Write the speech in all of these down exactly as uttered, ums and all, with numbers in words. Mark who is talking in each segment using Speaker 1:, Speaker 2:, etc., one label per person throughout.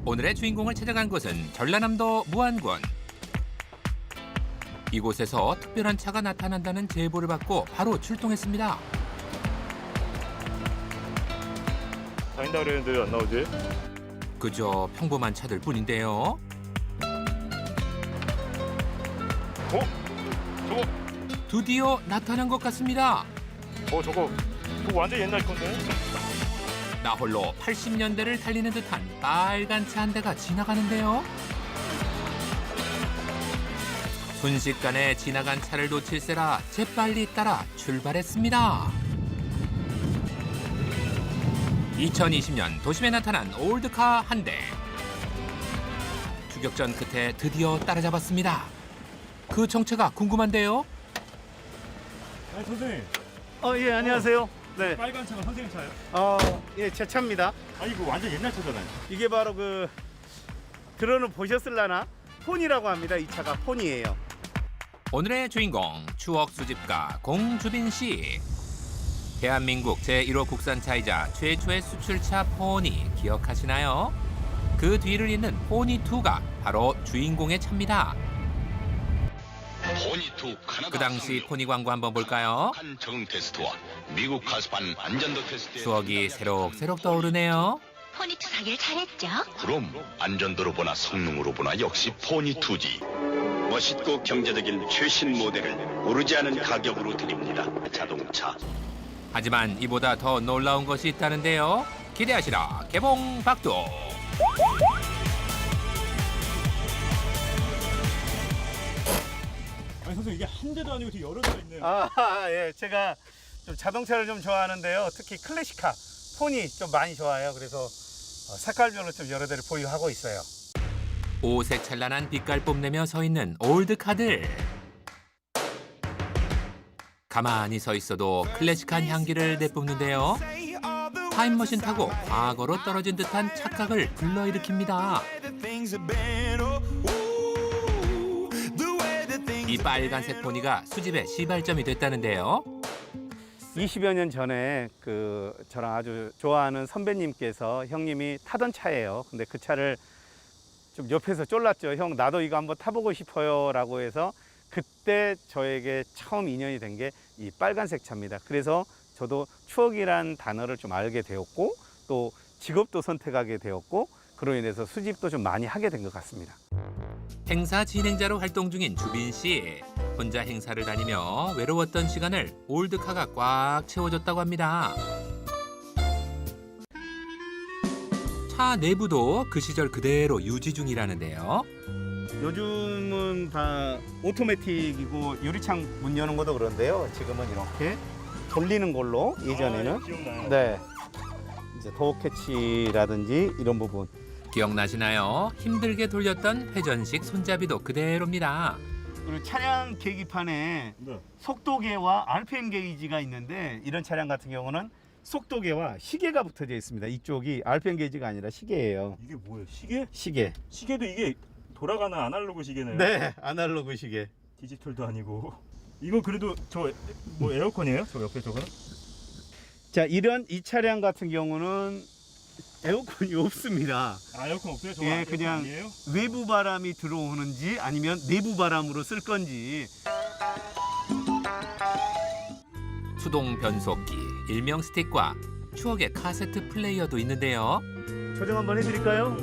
Speaker 1: 오늘의 주인공을 찾아간 곳은 전라남도 무안군. 이곳에서 특별한 차가 나타난다는 제보를 받고 바로 출동했습니다.
Speaker 2: 다닌다 그랬는데 왜 안 나오지?
Speaker 1: 그저 평범한 차들 뿐인데요.
Speaker 2: 어? 저거,
Speaker 1: 드디어 나타난 것 같습니다.
Speaker 2: 어 저거, 저거 완전 옛날 건데?
Speaker 1: 나 홀로 팔십 년대를 달리는 듯한 빨간 차 한 대가 지나가는데요. 순식간에 지나간 차를 놓칠세라 재빨리 따라 출발했습니다. 이천이십 년 도심에 나타난 올드카 한 대. 추격전 끝에 드디어 따라잡았습니다. 그 정체가 궁금한데요.
Speaker 2: 아니 선생님,
Speaker 3: 어, 예, 안녕하세요. 네.
Speaker 2: 빨간 차가 선생님 차예요?
Speaker 3: 어, 예, 제 차입니다.
Speaker 2: 아니 이거 완전 옛날 차잖아요.
Speaker 3: 이게 바로 그 들어는 보셨을라나? 폰이라고 합니다. 이 차가 폰이에요.
Speaker 1: 오늘의 주인공 추억 수집가 공주빈 씨. 대한민국 제일 호 국산차이자 최초의 수출차 포니 기억하시나요? 그 뒤를 잇는 포니투가 바로 주인공의 차입니다.
Speaker 4: 포니투 카나다
Speaker 1: 그 당시 포니 광고 한번 볼까요?
Speaker 4: 한 적응 테스트와 미국 가스판 안전도 테스트
Speaker 1: 추억이 새록새록 떠오르네요.
Speaker 5: 포니투 사길 잘했죠?
Speaker 4: 그럼 안전도로 보나 성능으로 보나 역시 포니투지. 멋있고 경제적인 최신 모델을 오르지 않은 가격으로 드립니다. 자동차.
Speaker 1: 하지만 이보다 더 놀라운 것이 있다는데요. 기대하시라 개봉 박두.
Speaker 2: 아니 선생님 이게 한 대도 아니고 뒤에 여러 대가 있네요.
Speaker 3: 아, 예, 제가 좀 자동차를 좀 좋아하는데요. 특히 클래식카, 폰이 좀 많이 좋아해요. 그래서 어, 색깔별로 좀 여러 대를 보유하고 있어요.
Speaker 1: 오색 찬란한 빛깔 뽐내며 서 있는 올드카들. 가만히 서 있어도 클래식한 향기를 내뿜는데요. 타임머신 타고 과거로 떨어진 듯한 착각을 불러일으킵니다. 이 빨간색 포니가 수집의 시발점이 됐다는데요.
Speaker 3: 이십여 년 전에 그 저랑 아주 좋아하는 선배님께서 형님이 타던 차예요. 근데 그 차를 좀 옆에서 쫄랐죠. 형 나도 이거 한번 타보고 싶어요 라고 해서 그때 저에게 처음 인연이 된 게 이 빨간색 차입니다. 그래서 저도 추억이란 단어를 좀 알게 되었고 또 직업도 선택하게 되었고 그로 인해서 수집도 좀 많이 하게 된 것 같습니다.
Speaker 1: 행사 진행자로 활동 중인 주빈 씨. 혼자 행사를 다니며 외로웠던 시간을 올드카가 꽉 채워줬다고 합니다. 차 내부도 그 시절 그대로 유지 중이라는데요.
Speaker 3: 요즘은 다 오토매틱이고 유리창 문 여는 것도 그런데요. 지금은 이렇게 돌리는 걸로 예전에는
Speaker 2: 아, 기억나요.
Speaker 3: 네 이제 도어 캐치라든지 이런 부분
Speaker 1: 기억나시나요? 힘들게 돌렸던 회전식 손잡이도 그대로입니다.
Speaker 3: 그리고 차량 계기판에
Speaker 2: 네.
Speaker 3: 속도계와 알피엠 게이지가 있는데 이런 차량 같은 경우는 속도계와 시계가 붙어져 있습니다. 이쪽이 알피엠 게이지가 아니라 시계예요.
Speaker 2: 이게 뭐예요? 시계?
Speaker 3: 시계.
Speaker 2: 시계도 이게 돌아가는 아날로그 시계네요.
Speaker 3: 네, 아날로그 시계.
Speaker 2: 디지털도 아니고. 이거 그래도 저 뭐 에어컨이에요? 저 옆에 저거는?
Speaker 3: 자, 이런 이 차량 같은 경우는 에어컨이 없습니다.
Speaker 2: 아 에어컨 없어요? 저거
Speaker 3: 예,
Speaker 2: 에어컨
Speaker 3: 그냥
Speaker 2: 아니에요?
Speaker 3: 외부 바람이 들어오는지 아니면 내부 바람으로 쓸 건지.
Speaker 1: 수동 변속기, 일명 스틱과 추억의 카세트 플레이어도 있는데요.
Speaker 3: 조정 한번 해드릴까요?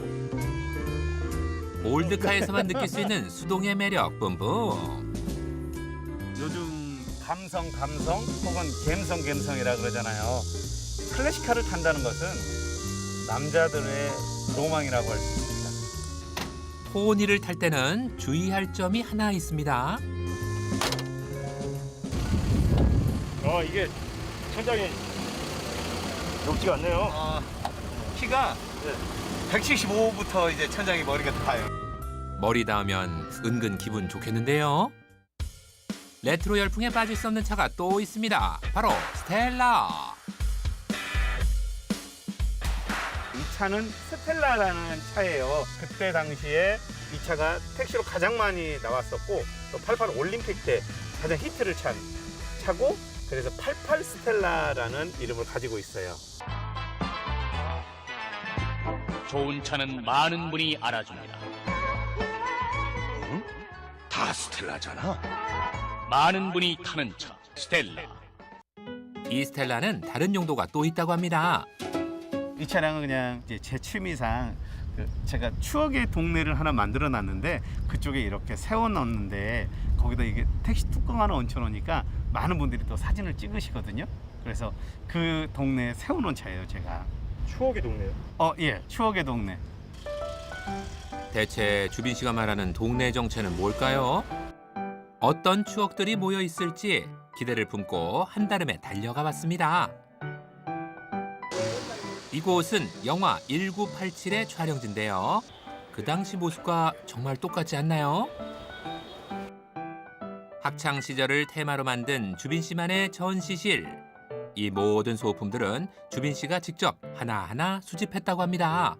Speaker 1: 올드카에서만 느낄 수 있는 수동의 매력 뿜뿜.
Speaker 3: 요즘 감성 감성 혹은 갬성 갬성이라 그러잖아요. 클래식카를 탄다는 것은 남자들의 로망이라고 할 수 있습니다.
Speaker 1: 포니를 탈 때는 주의할 점이 하나 있습니다.
Speaker 2: 아 이게 천장이 높지가 않네요.
Speaker 3: 어, 키가 백칠십오부터 이제 천장이 머리가 닿아요.
Speaker 1: 머리 닿으면 은근 기분 좋겠는데요. 레트로 열풍에 빠질 수 없는 차가 또 있습니다. 바로 스텔라.
Speaker 3: 이 차는 스텔라라는 차예요. 그때 당시에 이 차가 택시로 가장 많이 나왔었고 또 팔십팔 올림픽 때 가장 히트를 찬 차고 그래서 팔십팔 스텔라라는 이름을 가지고 있어요.
Speaker 6: 좋은 차는 많은 분이 알아줍니다.
Speaker 4: 다 스텔라잖아.
Speaker 6: 많은 분이 타는 차 스텔라.
Speaker 1: 이 스텔라는 다른 용도가 또 있다고 합니다.
Speaker 3: 이 차량은 그냥 이제 제 취미상 그 제가 추억의 동네를 하나 만들어 놨는데 그쪽에 이렇게 세워 놓는데 거기다 이게 택시 뚜껑 하나 얹혀 놓으니까 많은 분들이 또 사진을 찍으시거든요. 그래서 그 동네에 세워 놓은 차예요, 제가.
Speaker 2: 추억의 동네요.
Speaker 3: 어, 예. 추억의 동네.
Speaker 1: 대체 주빈 씨가 말하는 동네 정체는 뭘까요? 어떤 추억들이 모여 있을지 기대를 품고 한달음에 달려가 봤습니다. 이곳은 영화 천구백팔십칠의 촬영지인데요. 그 당시 모습과 정말 똑같지 않나요? 학창 시절을 테마로 만든 주빈 씨만의 전시실. 이 모든 소품들은 주빈 씨가 직접 하나하나 수집했다고 합니다.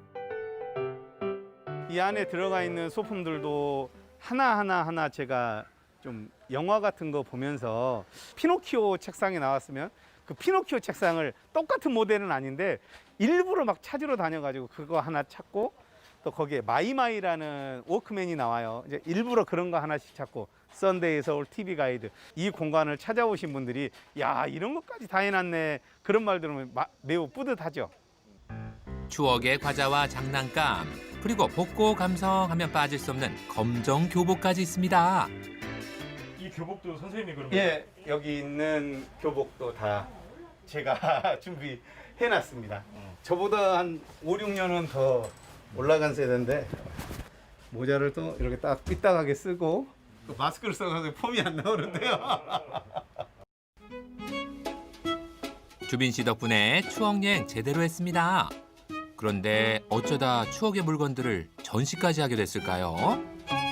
Speaker 3: 이 안에 들어가 있는 소품들도 하나하나 하나 제가 좀 영화 같은 거 보면서 피노키오 책상이 나왔으면 그 피노키오 책상을 똑같은 모델은 아닌데 일부러 막 찾으러 다녀가지고 그거 하나 찾고 또 거기에 마이마이라는 워크맨이 나와요. 이제 일부러 그런 거 하나씩 찾고 썬데이 서울 티비 가이드 이 공간을 찾아오신 분들이 야 이런 것까지 다 해놨네 그런 말 들으면 마, 매우 뿌듯하죠.
Speaker 1: 추억의 과자와 장난감 그리고 복고 감성하면 빠질 수 없는 검정 교복까지 있습니다.
Speaker 2: 이 교복도 선생님이 그런
Speaker 3: 예, 여기 있는 교복도 다 제가 준비해놨습니다. 저보다 한 오, 육 년은 더 올라간 세대인데 모자를 또 이렇게 딱 삐딱하게 쓰고 또 마스크를 써서 폼이 안 나오는데요.
Speaker 1: 주빈 씨 덕분에 추억 여행 제대로 했습니다. 그런데 어쩌다 추억의 물건들을 전시까지 하게 됐을까요?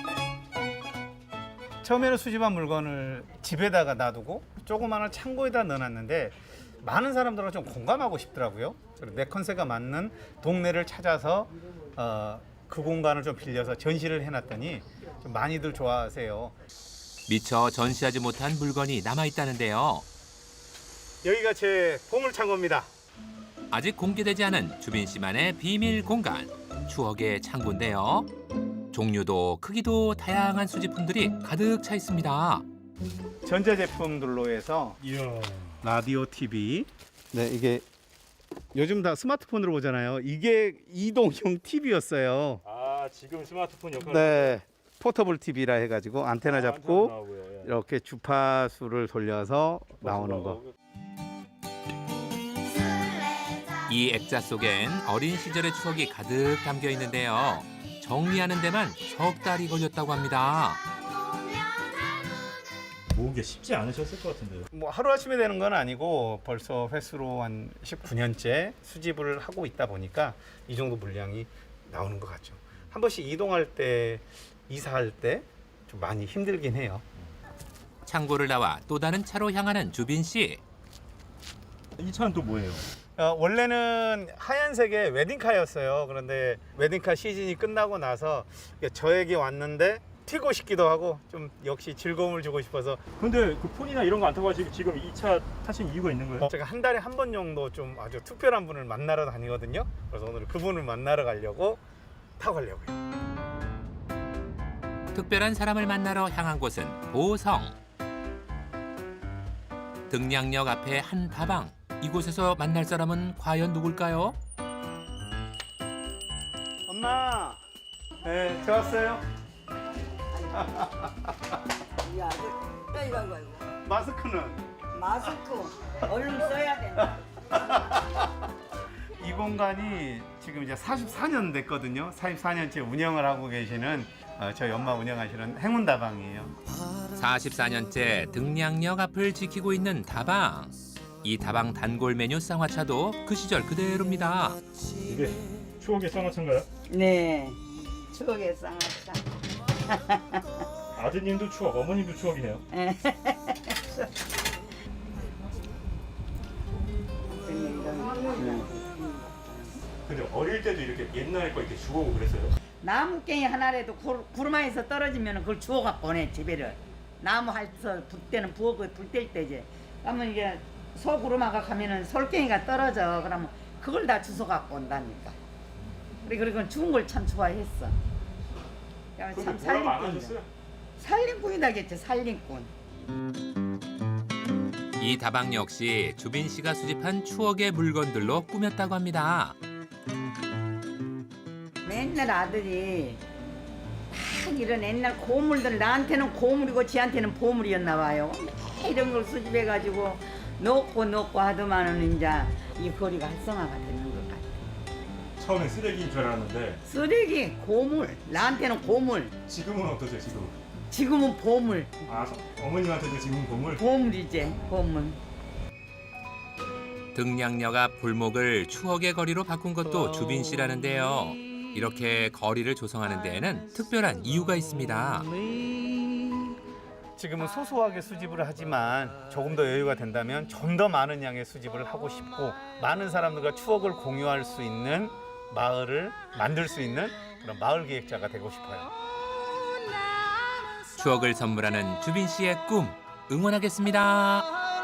Speaker 3: 처음에는 수집한 물건을 집에다가 놔두고 조그마한 창고에다 넣어놨는데 많은 사람들은 좀 공감하고 싶더라고요. 그래서 내 컨셉에 맞는 동네를 찾아서 어, 그 공간을 좀 빌려서 전시를 해놨더니 좀 많이들 좋아하세요.
Speaker 1: 미처 전시하지 못한 물건이 남아있다는데요.
Speaker 3: 여기가 제 보물창고입니다.
Speaker 1: 아직 공개되지 않은 주빈 씨만의 비밀 공간, 추억의 창고인데요. 종류도 크기도 다양한 수집품들이 가득 차 있습니다.
Speaker 3: 전자제품들로 해서
Speaker 2: 이야.
Speaker 3: 라디오, 티비. 네, 이게 요즘 다 스마트폰으로 보잖아요. 이게 이동형 티비였어요.
Speaker 2: 아 지금 스마트폰 역할.
Speaker 3: 네, 포터블 티비라 해가지고 안테나 잡고 이렇게 주파수를 돌려서 나오는 거.
Speaker 1: 이 액자 속엔 어린 시절의 추억이 가득 담겨 있는데요. 정리하는 데만 석 달이 걸렸다고 합니다.
Speaker 2: 모으기 쉽지 않으셨을 것 같은데요.
Speaker 3: 뭐 하루아침에 되는 건 아니고 벌써 횟수로 한 십구 년째 수집을 하고 있다 보니까 이 정도 물량이 나오는 것 같죠. 한 번씩 이동할 때, 이사할 때 좀 많이 힘들긴 해요.
Speaker 1: 창고를 나와 또 다른 차로 향하는 주빈 씨.
Speaker 2: 이 차는 또 뭐예요?
Speaker 3: 어, 원래는 하얀색의 웨딩카였어요. 그런데 웨딩카 시즌이 끝나고 나서 저에게 왔는데 튀고 싶기도 하고 좀 역시 즐거움을 주고 싶어서.
Speaker 2: 근데 그 폰이나 이런 거 안 타고 하시고 지금 이 차 타신 이유가 있는 거예요?
Speaker 3: 제가 한 달에 한 번 정도 좀 아주 특별한 분을 만나러 다니거든요. 그래서 오늘 그분을 만나러 가려고 타고 가려고요.
Speaker 1: 특별한 사람을 만나러 향한 곳은 보성. 등량역 앞에 한 다방. 이곳에서 만날 사람은 과연 누굴까요?
Speaker 3: 엄마, 네, 저 왔어요.
Speaker 7: 야, 또 이거 이거 이거.
Speaker 3: 마스크는
Speaker 7: 마스크 얼른 써야 된다.
Speaker 3: 이 공간이 지금 이제 사십사 년 됐거든요. 사십사 년째 운영을 하고 계시는 어, 저희 엄마 운영하시는 행운다방이에요.
Speaker 1: 사십사 년째 등량역 앞을 지키고 있는 다방. 이 다방 단골 메뉴 쌍화차도 그 시절 그대로입니다.
Speaker 2: 이게 추억의 쌍화차인가요?
Speaker 7: 네, 추억의 쌍화차.
Speaker 2: 아드님도 추억, 어머님도 추억이네요. 근데 어릴 때도 이렇게 옛날 거 이렇게 주워오고 그랬어요?
Speaker 7: 나무깽이 하나라도 구- 구르마에서 떨어지면 그걸 주워갖고 오네 집에를. 나무 할서 불 때는 부엌에 불뗄 때지. 그러면 이게 소 구르마가 가면은 솔깽이가 떨어져. 그러면 그걸 다 주워 갖고 온다니까. 그래 그리고 죽은 걸 참 좋아했어. 야, 참 살림꾼이다. 살림꾼이다겠지 살림꾼.
Speaker 1: 이 다방 역시 주빈 씨가 수집한 추억의 물건들로 꾸몄다고 합니다.
Speaker 7: 맨날 아들이 막 이런 옛날 고물들 나한테는 고물이고 지한테는 보물이었나 봐요. 이런 걸 수집해가지고 넣고 넣고 하더만은 이제 이 거리가 활성화가 되는 것 같아.
Speaker 2: 처음에 쓰레기인 줄 알았는데
Speaker 7: 쓰레기 고물 나한테는 고물
Speaker 2: 지금은 어떠세요 지금?
Speaker 7: 지금은 보물
Speaker 2: 아 서- 어머님한테도 지금 보물?
Speaker 7: 보물이지 보물.
Speaker 1: 등량역 앞 골목을 추억의 거리로 바꾼 것도 주빈 씨라는데요. 이렇게 거리를 조성하는 데에는 특별한 이유가 있습니다.
Speaker 3: 지금은 소소하게 수집을 하지만 조금 더 여유가 된다면 좀 더 많은 양의 수집을 하고 싶고 많은 사람들과 추억을 공유할 수 있는 마을을 만들 수 있는 그런 마을 기획자가 되고 싶어요.
Speaker 1: 추억을 선물하는 주빈 씨의 꿈 응원하겠습니다.